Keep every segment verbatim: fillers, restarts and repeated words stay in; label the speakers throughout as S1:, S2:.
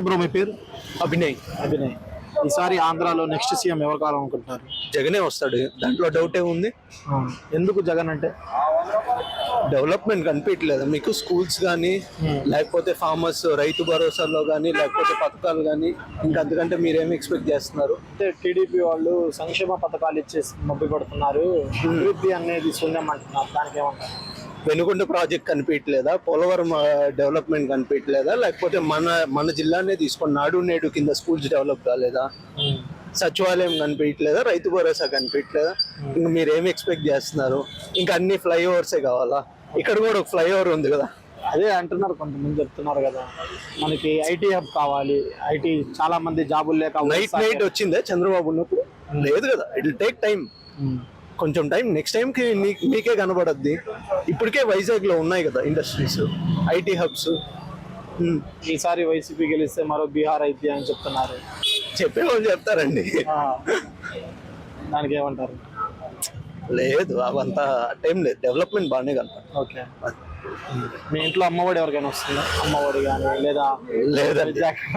S1: Bro మీ పేరు?
S2: అభినయ్.
S1: అభినయ్. ఈసారి ఆంధ్రాలో నెక్స్ట్ సీఎం ఎవరు కావాలనుకుంటున్నారు?
S2: జగనే వస్తాడు, దాంట్లో డౌట్ ఏముంది.
S1: ఎందుకు జగన్ అంటే?
S2: డెవలప్మెంట్ కనిపించలేదు మీకు? స్కూల్స్ కానీ లేకపోతే ఫార్మర్స్ రైతు భరోసాలో కానీ లేకపోతే పథకాలు కానీ, ఇంకా అంతకంటే మీరేమి ఎక్స్పెక్ట్ చేస్తున్నారు?
S1: అంటే టీడీపీ వాళ్ళు సంక్షేమ పథకాలు ఇచ్చేసి మబ్బి పడుతున్నారు, అభివృద్ధి అనేది శూన్యం అంటున్నారు, దానికి ఏమంటారు?
S2: వెనుకొండ ప్రాజెక్ట్ కనిపించలేదా? పోలవరం డెవలప్మెంట్ కనిపించలేదా? లేకపోతే మన మన జిల్లానే తీసుకొని నాడు నేడు కింద స్కూల్స్ డెవలప్ కాలేదా? సచివాలయం కనిపించలేదా? రైతు భరోసా కనిపించలేదా? ఇంకా మీరు ఏమి ఎక్స్పెక్ట్ చేస్తున్నారు? ఇంకా అన్ని ఫ్లైఓవర్సే కావాలా? ఇక్కడ కూడా ఒక ఫ్లైఓవర్ ఉంది కదా.
S1: అదే అంటున్నారు, కొంతమంది చెప్తున్నారు కదా, మనకి ఐటీ హబ్ కావాలి, ఐటీ చాలా మంది జాబులు లేక.
S2: నైట్ నైట్ వచ్చిందే చంద్రబాబు ఉన్నప్పుడు? లేదు కదా, ఇట్ విల్ టేక్ టైం, కొంచెం టైం. నెక్స్ట్ టైం కి మీకే కనబడద్ది. ఇప్పటికే వైజాగ్ లో ఉన్నాయి కదా ఇండస్ట్రీస్, ఐటీ హబ్స్.
S1: ఈసారి వైసీపీ గెలిస్తే మరో బీహార్ అయితే అని చెప్తున్నారు.
S2: చెప్పేవాళ్ళు చెప్తారండి,
S1: దానికి ఏమంటారు?
S2: లేదు అవంతా టైం లేదు, డెవలప్మెంట్ బాగానే కనపడుతుంది.
S1: ఓకే. మీ ఇంట్లో అమ్మఒడి ఎవరికైనా వస్తుందా? అమ్మఒడి కానీ లేదా
S2: లేదండి.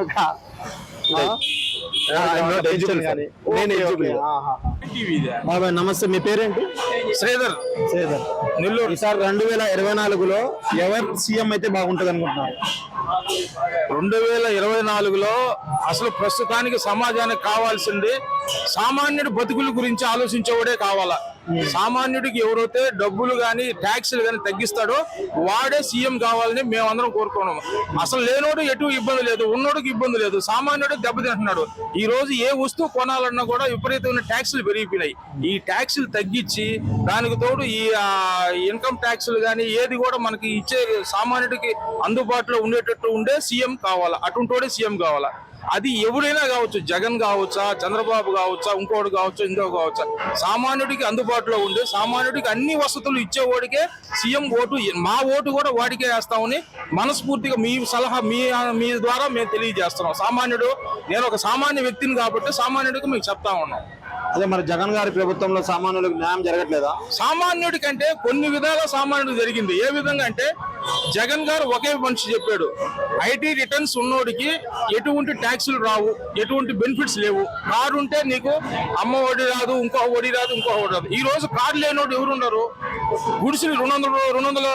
S1: బాబాయ్ నమస్తే, మీ పేరేంటి?
S3: శ్రీధర్.
S1: శ్రీధర్. నెల్లూరు. ఈసారి రెండు వేల ఇరవై నాలుగులో ఎవరు సీఎం అయితే బాగుంటుంది అనుకుంటున్నారు?
S3: రెండు వేల ఇరవై నాలుగులో అసలు ప్రస్తుతానికి సమాజానికి కావాల్సింది సామాన్యుడి బతుకుల గురించి ఆలోచించేవాడే కావాలా. సామాన్యుడికి ఎవరైతే డబ్బులు కానీ ట్యాక్సులు కానీ తగ్గిస్తాడో వాడే సీఎం కావాలని మేమందరం కోరుకున్నాము. అసలు లేనోడు ఎటు ఇబ్బంది లేదు, ఉన్నోడికి ఇబ్బంది లేదు, సామాన్యుడికి దెబ్బతింటున్నాడు. ఈ రోజు ఏ వస్తువు కొనాలన్నా కూడా విపరీతమైన ట్యాక్సులు పెరిగిపోయినాయి. ఈ ట్యాక్సులు తగ్గించి దానికి తోడు ఈ ఇన్కమ్ ట్యాక్సులు కానీ ఏది కూడా మనకి ఇచ్చే సామాన్యుడికి అందుబాటులో ఉండేటట్టు ఉండే సీఎం కావాలా. అటుంటోడే సీఎం కావాలా. అది ఎవరైనా కావచ్చు, జగన్ కావచ్చా, చంద్రబాబు కావచ్చా, ఇంకోటి కావచ్చు, ఇంకో కావచ్చా, సామాన్యుడికి అందుబాటులో ఉండే సామాన్యుడికి అన్ని వసతులు ఇచ్చేవాడికే సీఎం ఓటు. మా ఓటు కూడా వాడికే వేస్తామని మనస్ఫూర్తిగా మీ సలహా మీ మీ ద్వారా మేము తెలియజేస్తున్నాం. సామాన్యుడు, నేను ఒక సామాన్య వ్యక్తిని కాబట్టి సామాన్యుడికి మేము చెప్తా ఉన్నాం.
S1: అదే మరి జగన్ గారి ప్రభుత్వంలో సామాన్యులకు న్యాయం జరగట్లేదా?
S3: సామాన్యుడి కంటే కొన్ని విధాల సామాన్యుడికి జరిగింది. ఏ విధంగా అంటే జగన్ గారు ఒకే మనిషి చెప్పాడు, ఐటీ రిటర్న్స్ ఉన్నోడికి ఎటువంటి ట్యాక్సులు రావు, ఎటువంటి బెనిఫిట్స్ లేవు. కారు ఉంటే నీకు అమ్మ ఒడి రాదు, ఇంకో ఒడి రాదు, ఇంకో ఒడి రాదు. ఈ రోజు కారు లేనోడు ఎవరున్నారు? గుడిసిలు రెండు వందల రెండు వందల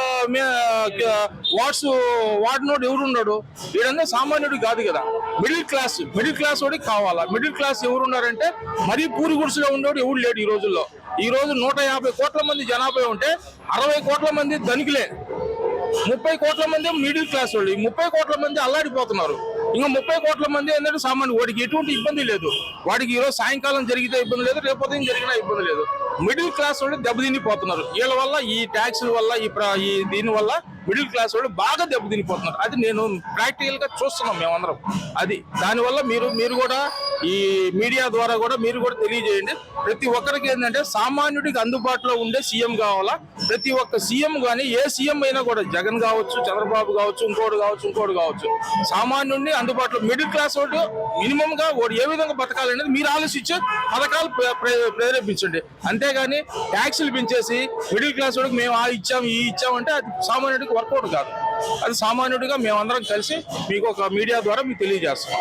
S3: వాట్స్ వాడినోడు ఎవరున్నాడు? వీడంతా సామాన్యుడు కాదు కదా. మిడిల్ క్లాస్ మిడిల్ క్లాస్ వాడికి కావాలా. మిడిల్ క్లాస్ ఎవరున్నారంటే మరీ పూరి గుడిసెలో ఉండేవాడు ఎవరు లేడు ఈ రోజుల్లో. ఈ రోజు నూట యాభై కోట్ల మంది జనాభా ఉంటే అరవై కోట్ల మంది ధనికులే, ముప్పై కోట్ల మంది మిడిల్ క్లాస్ వాళ్ళు. ముప్పై కోట్ల మంది అల్లాడిపోతున్నారు. ఇంకా ముప్పై కోట్ల మంది ఏంటంటే సామాన్య, వాడికి ఎటువంటి ఇబ్బంది లేదు. వాడికి ఈరోజు సాయంకాలం జరిగితే ఇబ్బంది లేదు, రేపు ఉదయం జరిగినా ఇబ్బంది లేదు. మిడిల్ క్లాస్ వాళ్ళు దెబ్బతినిపోతున్నారు. వీళ్ళ వల్ల, ఈ ట్యాక్సుల వల్ల, ఈ దీని వల్ల మిడిల్ క్లాస్ వాళ్ళు బాగా దెబ్బతినిపోతున్నారు. అది నేను ప్రాక్టికల్ గా చూస్తున్నాం మేమందరం. అది దానివల్ల మీరు మీరు కూడా ఈ మీడియా ద్వారా కూడా మీరు కూడా తెలియజేయండి. ప్రతి ఒక్కరికి ఏంటంటే సామాన్యుడికి అందుబాటులో ఉండే సీఎం కావాలా. ప్రతి ఒక్క సీఎం కానీ ఏ సీఎం అయినా కూడా, జగన్ కావచ్చు, చంద్రబాబు కావచ్చు, ఇంకోటి కావచ్చు, ఇంకోటి కావచ్చు, సామాన్యుడిని అందుబాటులో మిడిల్ క్లాస్ వాడు మినిమం గా వాడు ఏ విధంగా బతకాలనేది మీరు ఆలోచించి పథకాలు ప్రేరేపించండి. అంతేగాని ట్యాక్సులు పెంచేసి మిడిల్ క్లాస్ వాడికి మేము ఆ ఇచ్చాం ఈ ఇచ్చామంటే అది సామాన్యుడికి వర్కౌట్ కాదు. అది సామాన్యుడిగా మేమందరం కలిసి మీకు ఒక మీడియా ద్వారా మీకు తెలియజేస్తాం.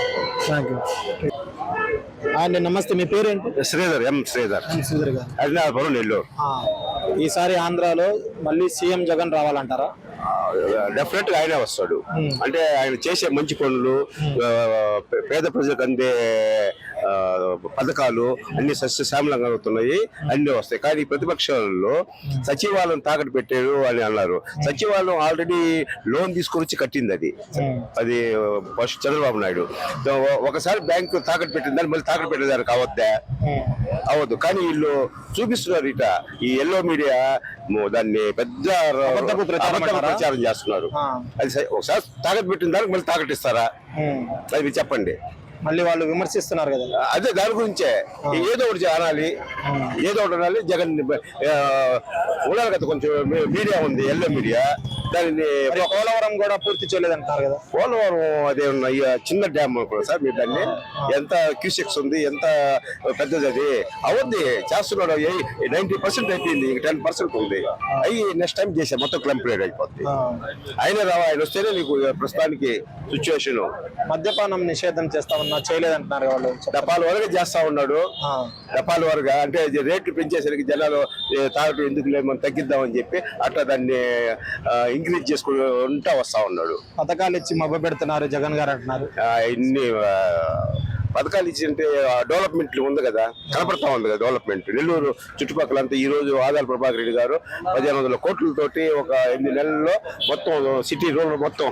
S1: అండి నమస్తే, మీ పేరేంటి?
S4: శ్రీధర్. ఎం శ్రీధర్.
S1: శ్రీధర్ గారు.
S4: అడినాపురం, నెల్లూరు.
S1: ఈసారి ఆంధ్రాలో మళ్ళీ సీఎం జగన్ రావాలంటారా?
S4: డెఫినెట్ గా ఆయనే వస్తాడు. అంటే ఆయన చేసే మంచి పనులు, పేద ప్రజలకు అందే పథకాలు అన్ని సస్యశ్యామలంగా అవుతున్నాయి, అన్ని వస్తాయి. కానీ ప్రతిపక్షాలలో సచివాలయం తాకట్టు పెట్టారు అని అన్నారు. సచివాలయం ఆల్రెడీ లోన్ తీసుకొని వచ్చి కట్టింది. అది అది ఫస్ట్ చంద్రబాబు నాయుడు. ఒకసారి బ్యాంకు తాకట్టు పెట్టింది, దాన్ని మళ్ళీ తాకట్టు పెట్టేదానికి అవద్దా? అవద్దు. కానీ వీళ్ళు చూపిస్తున్నారు ఇట, ఈ ఎల్లో మీడియా దాన్ని పెద్ద ప్రచారం చేస్తున్నారు. అది ఒకసారి తాకట్టు పెట్టిన దానికి మళ్ళీ తాకట్టు ఇస్తారా? అది చెప్పండి.
S1: మళ్ళీ వాళ్ళు విమర్శిస్తున్నారు కదా.
S4: అదే దాని గురించే ఏదో ఒకటి అనాలి, ఏదో ఒకటి అనాలి. జగన్ ఉండాలి కదా, కొంచెం మీడియా ఉంది, ఎల్లో మీడియా, దానిని
S1: మరి పోలవరం కూడా పూర్తి చేయలేదంటారు కదా.
S4: పోలవరం అదే ఉన్న ఈ చిన్న డ్యామ్ అనుకోండి సార్ మీరు దాన్ని ఎంత క్యూసెక్స్ ఉంది ఎంత పెద్దది అది అవుద్ది చేస్తున్నాడు నైన్టీ పర్సెంట్ అయిపోయింది టెన్ పర్సెంట్ ఉంది అవి నెక్స్ట్ టైం చేసే మొత్తం కంప్లీట్ అయిపోద్ది ఆయన రావా ఆయన వస్తేనే నీకు ప్రస్తుతానికి సిచ్యువేషన్.
S1: మద్యపానం నిషేధం చేస్తామన్నా చేయలేదంటున్నారు వాళ్ళు.
S4: డపాల వరకు చేస్తా ఉన్నాడు డపాల వరకు అంటే రేట్లు పెంచేసరికి జనాలు తాగటం ఎందుకు లేదు మనం తగ్గిద్దామని చెప్పి అట్లా దాన్ని ఇంక్రీజ్ చేసుకుంటా వస్తా ఉన్నాడు.
S1: పథకాలు ఇచ్చి మభ్య పెడుతున్నారు జగన్ గారు అంటున్నారు.
S4: ఇన్ని పథకాలు ఇచ్చి అంటే డెవలప్మెంట్ ఉంది కదా కనపడతా ఉంది కదా డెవలప్మెంట్. నెల్లూరు చుట్టుపక్కల అంతా ఈ రోజు ఆదాల ప్రభాకర్ రెడ్డి గారు పదిహేను వందల కోట్లతోటి ఒక ఎనిమిది నెలల్లో మొత్తం సిటీ రోడ్లు మొత్తం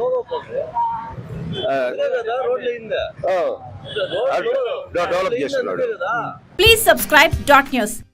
S4: డెవలప్ చేస్తున్నాడు.
S5: Please subscribe dot news.